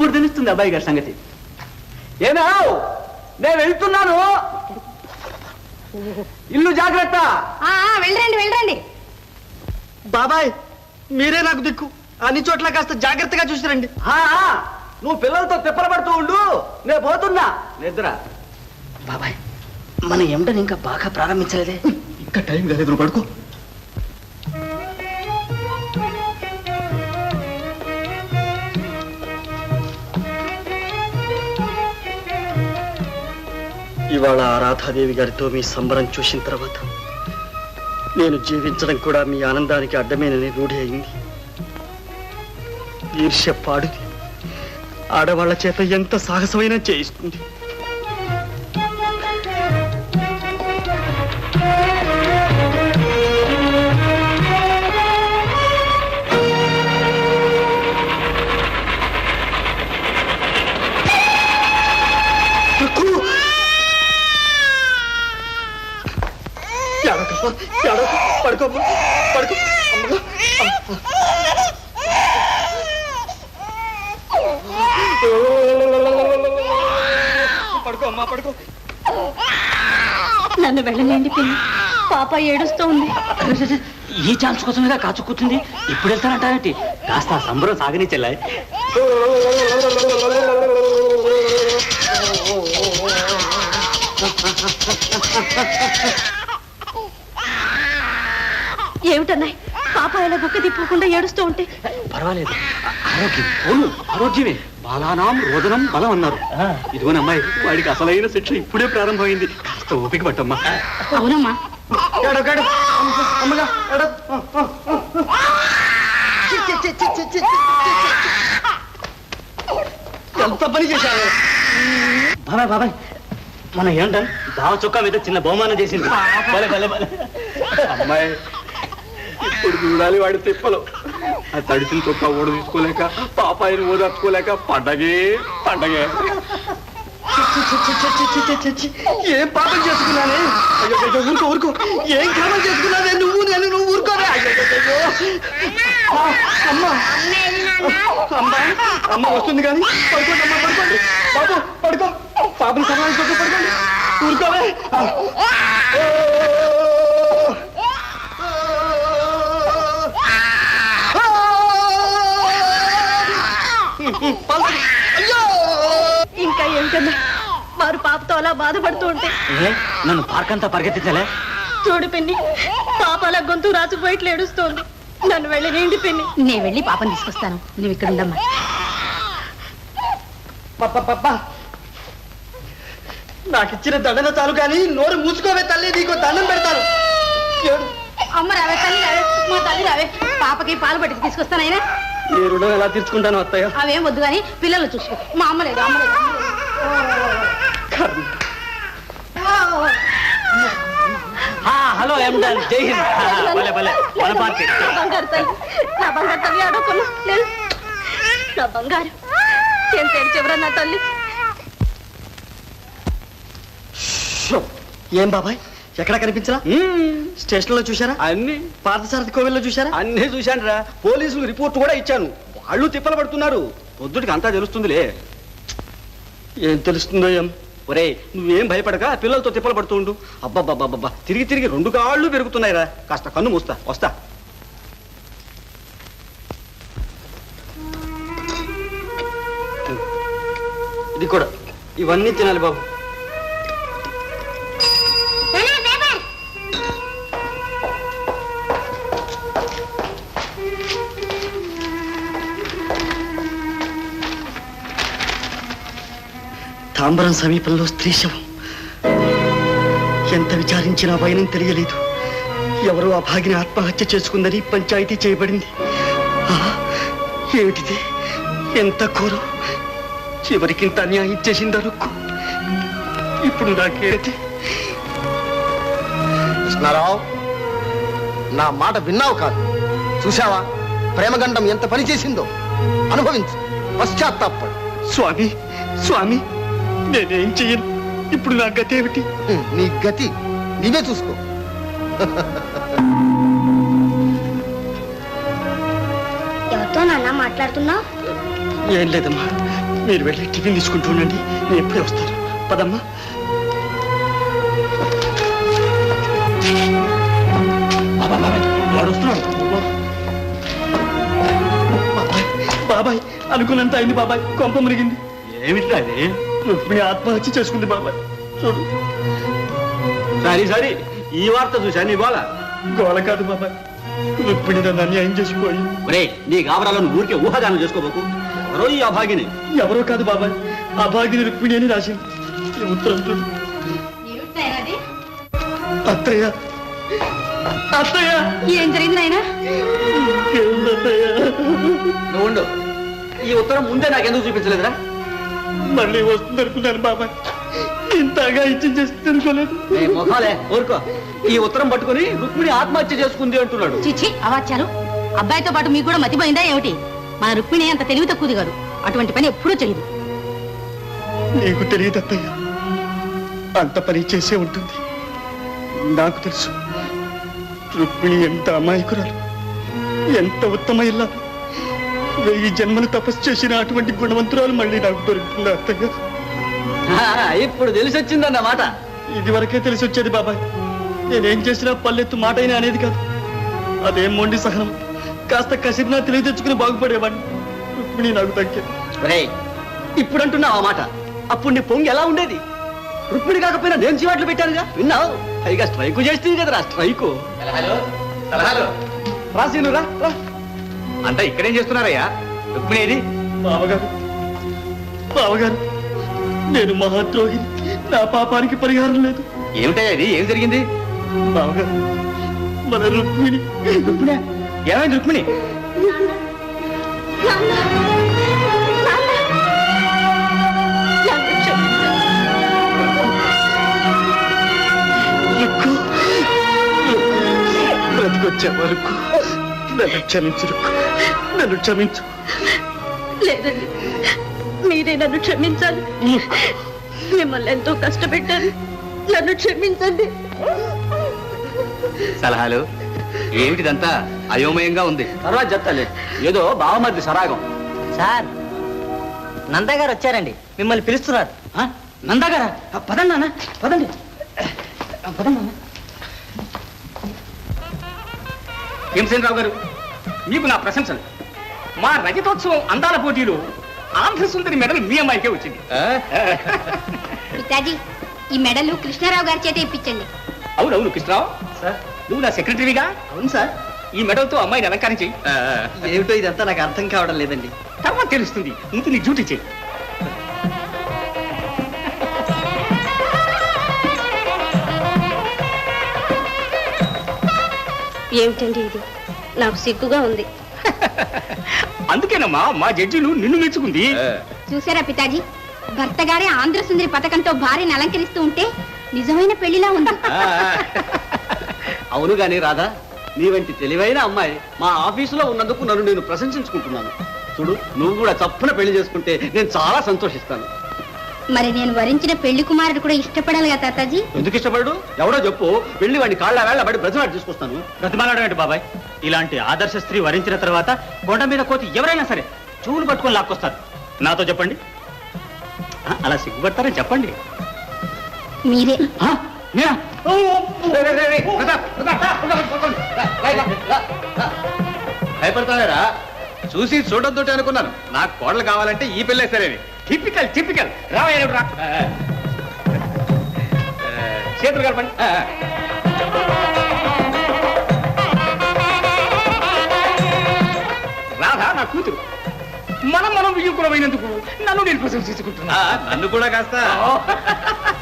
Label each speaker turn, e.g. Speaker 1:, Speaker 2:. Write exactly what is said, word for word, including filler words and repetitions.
Speaker 1: ఇప్పుడు తెలుస్తుంది అబ్బాయి గారి సంగతి. ఏనా నేను వెళ్తున్నాను, ఇల్లు జాగ్రత్త.
Speaker 2: వెళ్ళండి వెళ్ళండి.
Speaker 3: బాబాయ్ మీరే నాకు దిక్కు, అన్ని చోట్ల కాస్త జాగ్రత్తగా చూసిరండి.
Speaker 1: నువ్వు పిల్లలతో తిప్పలబడుతూ ఉండు, నేను పోతున్నా నిద్ర.
Speaker 3: బాబాయ్ మన ఎండని ఇంకా బాగా ప్రారంభించలేదే. ఇంకా టైం కాలేదు, నువ్వు పడుకో. ఇవాళ రాధాదేవి గారితో మీ సంబరం చూసిన తర్వాత నేను జీవించడం కూడా మీ ఆనందానికి అడ్డమేనని రూఢి అయింది. ఈర్ష్య పాడుది, ఆడవాళ్ల చేత ఎంత సాహసమైనా చేయిస్తుంది. పడుకో పడుకో పడుకో అమ్మా పడుకో.
Speaker 2: నన్ను వెళ్ళలేండి పిన్ని, పాప ఏడుస్తూ ఉంది.
Speaker 1: ఈ ఛాన్స్ కోసమేగా కాచు కూర్చుంది, ఇప్పుడు వెళ్తానంటారేంటి? కాస్త సంబరం సాగని చెల్లాయి.
Speaker 2: ఏమిటన్నాయి పాప ఇలా బుక్క తిప్పకుండా ఏడుస్తూ ఉంటే?
Speaker 1: పర్వాలేదు, ఆరోగ్యం అవును ఆరోగ్యమే. బాలానాం రోదనం బలం అన్నారు. ఇదిగోని అమ్మాయి, వాడికి అసలైన శిక్ష ఇప్పుడే ప్రారంభమైంది. కాస్త ఓపిక పట్టమ్మా.
Speaker 2: అవునమ్మా.
Speaker 3: ఎంత పని చేశావు బాబాయ్. బాబాయ్ మన ఏంట దావ చొక్కా మీద చిన్న బహుమానం చేసింది.
Speaker 1: అమ్మాయి ఇప్పుడు చూడాలి వాడి తిప్పలు. ఆ తడిసిన చొక్కా ఓడ తీసుకోలేక, పాపాయిని ఓదార్చుకోలేక పండగే పండగే.
Speaker 3: ఏం పాపం చేసుకున్నానే? ఊరుకో ఊరుకో. ఏం కాపం చేసుకున్నానే? నువ్వు నేను నువ్వు ఊరుకోనే. అమ్మా అమ్మా అమ్మ వస్తుంది కానీ పడుకోండి అమ్మా, పడుకోండి బాబు, పడుకో. పాపని సమాధానం పడుకో, పడుకోండి, ఊరుకోవే.
Speaker 2: ఇంకా ఏమిటన్నా వారు పాపతో అలా బాధపడుతూ ఉంటే?
Speaker 3: నన్ను పార్క్ అంతా పరిగెత్తించలే.
Speaker 2: చూడు పిన్ని, పాప అలా గొంతు రాచుకుపోయిట్లు ఏడుస్తోంది. నన్ను వెళ్ళలేండి పిన్ని. నేను వెళ్ళి పాపని తీసుకొస్తాను, నువ్వు ఇక్కడ ఉండమ్మా.
Speaker 3: నాకు ఇచ్చిన దండన చాలు కానీ నోరు మూసుకోవే తల్లి, నీకు దండం పెడతాను.
Speaker 2: అమ్మ రావే తల్లి, రావే మా తల్లి రావే. పాపకి పాలు పట్టుకు తీసుకొస్తానైనా.
Speaker 3: నీ రుణం ఎలా తీర్చుకుంటాను అత్తయ్య?
Speaker 2: అవేం వద్దు కానీ పిల్లలు చూసుకో. మా అమ్మ లేదు, అమ్మ లేదు.
Speaker 3: హలో ఎండల్, జై హింద్. భలే భలే మన పార్టీ.
Speaker 2: నా బంగారు తల్లి, నా బంగారు తల్లి ఆడుకున్నా లేదు. నా బంగారు ఎంత ఏడ్చేవరా నా తల్లి.
Speaker 3: ఏం బాబాయ్ ఎక్కడ కనిపించరా? స్టేషన్ లో చూసారా?
Speaker 1: అన్ని.
Speaker 3: పార్థసారథి కోవిల్లో చూసారా?
Speaker 1: అన్నీ చూశాను రా. పోలీసులు రిపోర్ట్ కూడా ఇచ్చాను. వాళ్ళు తిప్పలు పడుతున్నారు. పొద్దుటికి అంతా తెలుస్తుందిలే.
Speaker 3: ఏం తెలుస్తుందో ఏం?
Speaker 1: ఒరే నువ్వేం భయపడక పిల్లలతో తిప్పలు పడుతూ ఉండు. అబ్బబ్బబ్బబ్బా తిరిగి తిరిగి రెండు కాళ్ళు పెరుగుతున్నాయి రా. కాస్త కన్ను మూస్తా, వస్తా.
Speaker 3: ఇది కూడా, ఇవన్నీ తినాలి బాబు. తాంబరం సమీపంలో స్త్రీ శవం. ఎంత విచారించినా భయం తెలియలేదు. ఎవరో ఆ భాగిని ఆత్మహత్య చేసుకుందని పంచాయతీ చేయబడింది. ఏమిటిది? ఎంత ఘోరం! చివరికి ఇంత అన్యాయం చేసింది అనుకో. ఇప్పుడు నాకేది?
Speaker 4: కృష్ణారావు, నా మాట విన్నావు కాదు, చూశావా? ప్రేమగండం ఎంత పని చేసిందో అనుభవించు, పశ్చాత్తాపడు.
Speaker 3: స్వామి స్వామి నేనేం చెయ్యను. ఇప్పుడు నా గతి ఏమిటి?
Speaker 4: నీ గతి నీవే చూసుకో.
Speaker 2: ఎవరితో నాన్న మాట్లాడుతున్నావు?
Speaker 3: ఏం లేదమ్మా, మీరు వెళ్ళి టిఫిన్ తీసుకుంటూ ఉండండి, నేను ఎప్పుడే వస్తాను. పదమ్మా. బాబాయ్, బాబాయ్, వాడు వస్తున్నాడు. బాబాయ్, బాబాయ్, అనుకున్నంత అయింది బాబాయ్. కొంప మురిగింది.
Speaker 1: ఏమిట్రా అది?
Speaker 3: రుక్మిణి ఆత్మహత్య చేసుకుంది బాబాయ్. చూడు.
Speaker 1: సరే సరే, ఈ వార్త చూసా నీ గోళ.
Speaker 3: గోల కాదు బాబాయ్, రుక్మిణి నన్ను అన్యాయం చేసిపోయి.
Speaker 1: ఒరే, నీ గాబరాలను ఊరికే ఊహాగానం చేసుకోబోకు. ఎవరో ఈ అభాగిని.
Speaker 3: ఎవరో కాదు బాబాయ్, ఆ భాగ్యని రుక్మిణి అని రాసింది. ఈ ఉత్తరం చూడు. అత్తయ్య, అత్తయ్య,
Speaker 2: ఏం జరిగింది నాయనా?
Speaker 3: ఇంకేముందత్తయ్య?
Speaker 1: నువ్వు ఉండు. ఈ ఉత్తరం ముందే నాకెందుకు చూపించలేదురా?
Speaker 3: మళ్ళీ వస్తుంది అనుకున్నాను బాబాయ్, ఇంతగా ఇచ్చి చేస్తుంది అనుకోలేదు.
Speaker 1: నీ మొహాలే, ఊరుకో. ఈ ఉత్తరం పట్టుకుని రుక్మిణి ఆత్మహత్య చేసుకుంది అంటున్నాడు.
Speaker 2: చిచ్చి, అవాచ్యాలు. అబ్బాయితో పాటు మీకు కూడా మతిపోయిందా ఏమిటి? మన రుక్మిణి అంత తెలివి తక్కువది కాదు. అటువంటి పని ఎప్పుడూ చేయదు.
Speaker 3: నీకు తెలియదు అత్తయ్య, అంత పని చేసే ఉంటుంది. నాకు తెలుసు రుక్మిణి ఎంత అమాయకురాలు, ఎంత ఉత్తమ ఇల్లా. వెయ్యి జన్మలు తపస్సు చేసిన అటువంటి గుణవంతురాలు మళ్ళీ నాకు దొరుకుతుంది అత్తయ్య.
Speaker 1: ఆ, ఇప్పుడు తెలిసి వచ్చిందన్నమాట.
Speaker 3: ఇది వరకే తెలిసి వచ్చేది బాబాయ్. నేనేం చేసినా పల్లెత్తు మాట అయినా అనేది కాదు. అదేం మొండి సహనం. కాస్త కసిరినా తెలివి తెచ్చుకుని బాగుపడేవాడిని. రుక్మిణి నాకు తగ్గింది.
Speaker 1: ఒరేయ్, ఇప్పుడు అంటున్నావు ఆ మాట. అప్పుడు నీ పొంగి ఎలా ఉండేది? రుక్మిణి కాకపోయినా నేను చీవాట్లు పెట్టానుగా, విన్నావు? పైగా స్ట్రైకు చేస్తుంది కదరా, స్ట్రైకు.
Speaker 5: సలహాలు సలహాలు
Speaker 1: రాసీను రా రా.
Speaker 5: అంతా ఇక్కడేం చేస్తున్నారయ్యా? రుక్మిణి ఏది?
Speaker 3: బావగారు, బావగారు, నేను మహాద్రోహిని. నా పాపానికి పరిహారం లేదు.
Speaker 5: ఏమిటయ్యా ఇది? ఏం జరిగింది?
Speaker 3: బావగారు, మన రుక్మిణి.
Speaker 5: రుక్మిణి ఏమైంది? రుక్మిణి
Speaker 3: రుక్కు, బ్రతికొచ్చే వరకు నన్ను క్షమించు రుక్కు, నన్ను క్షమించు.
Speaker 2: లేదండి, మీరే నన్ను క్షమించాలి. మిమ్మల్ని ఎంతో కష్టపెట్టాను. నన్ను క్షమించండి.
Speaker 5: సలహాలు ఏమిటిదంతా అయోమయంగా ఉంది.
Speaker 1: తర్వాత చెప్తాలే. ఏదో బావమర్ది సరాగం.
Speaker 6: సార్, నందగారు వచ్చారండి, మిమ్మల్ని పిలుస్తున్నారు.
Speaker 1: ఆ, నందాగారా? ఆ, పదండి నాన్న, పదండి. ఆ, పదండి నాన్న.
Speaker 5: భీమసేనరావు గారు, మీకు నా ప్రశంసలు. మా రజతోత్సవం అందాల పోటీలో ఆంధ్ర సుందరి మెడల్ మీ అమ్మాయికే వచ్చింది.
Speaker 7: పితాజీ, ఈ మెడలు కృష్ణారావు గారి చేత ఇప్పించండి.
Speaker 5: అవునవును కృష్ణరావు,
Speaker 3: సార్,
Speaker 5: నువ్వు నా సెక్రటరీగా
Speaker 3: అవును సార్.
Speaker 5: ఈ మెడల్తో అమ్మాయిని అలంకరించి
Speaker 3: ఏమిటో ఇదంతా నాకు అర్థం కావడం లేదండి.
Speaker 5: తర్వాత తెలుస్తుంది. ముందు నీ డ్యూటీ చేయి.
Speaker 2: ఏమిటండి ఇది? నాకు సిగ్గుగా ఉంది.
Speaker 5: అందుకేనమ్మా మా జడ్జిలు నిన్ను మెచ్చుకుంది.
Speaker 7: చూసారా పితాజీ, భర్త గారే ఆంధ్ర సుందరి పథకంతో భార్యని అలంకరిస్తూ ఉంటే నిజమైన పెళ్లిలా ఉంది.
Speaker 1: అవును గాని రాధా, నీ వంటి తెలివైన అమ్మాయి మా ఆఫీసులో ఉన్నందుకు నన్ను నేను ప్రశంసించుకుంటున్నాను. చూడు, నువ్వు కూడా చప్పున పెళ్లి చేసుకుంటే నేను చాలా సంతోషిస్తాను.
Speaker 7: మరి నేను వరించిన పెళ్లి కుమారుడు కూడా ఇష్టపడాలి కదా తాతాజీ.
Speaker 1: ఎందుకు ఇష్టపడు? ఎవడో చెప్పు, వెళ్ళి వాడిని కాళ్ళ వేళ్ళ పడి బ్రతిమాడి తీసుకొస్తాను.
Speaker 5: ప్రతిమానడం ఏంటి బాబాయ్? ఇలాంటి ఆదర్శ స్త్రీ వరించిన తర్వాత కొండ మీద కోతి ఎవరైనా సరే చూలు పట్టుకొని లాక్కొస్తారు. నాతో చెప్పండి. ఆ, అలా సిగ్గుపడతారని చెప్పండి.
Speaker 7: మీరే.
Speaker 1: ఆ, నేనా? ఓ, ఓ, రే, రే, రే, రే, ప్రతాప్, ప్రతాప్, ప్రతాప్, ప్రతాప్, రా, రా, రా, రా, రా.
Speaker 5: భయపడతారా? చూసి చూడొద్దు అనుకున్నాను. నాకు కోడలు కావాలంటే ఈ పిల్లే సరేని. టిపికల్ టిపికల్ రావయ్య రా. చేతులు కలపండి. రాధా నా కూతురు. మనం మనం విజయకులమైనందుకు నన్ను నేను ప్రశంసించుకుంటున్నా.
Speaker 1: నన్ను కూడా కాస్త